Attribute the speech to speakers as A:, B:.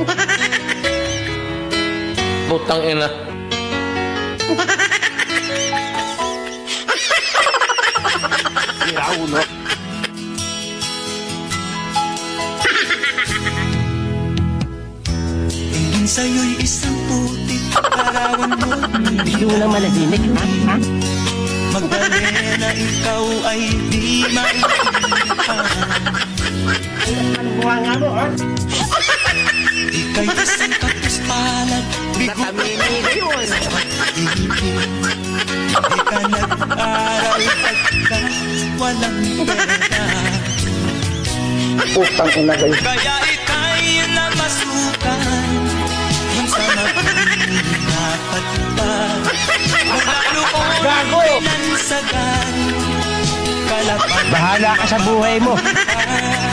A: Putang ina.
B: Ulo.
C: Tingin sa'yo'y isang putik, larawan mo.
B: Hindi mo lang malahimik, ha?
C: Magdalena, ikaw ay di maintindihan.
B: Ano buha nga mo, ha?
C: Ika'y isang kapuspalad, bigo ka
B: yun.
C: Di ka nag-aral pagkat walang pera.
B: Putang ina kayo.
C: Kaya ika'y namasukan kung sa dapat pa. Magalo ko
B: Gago!
C: lansagan, kalapang
B: Bahala ka sa buhay mo.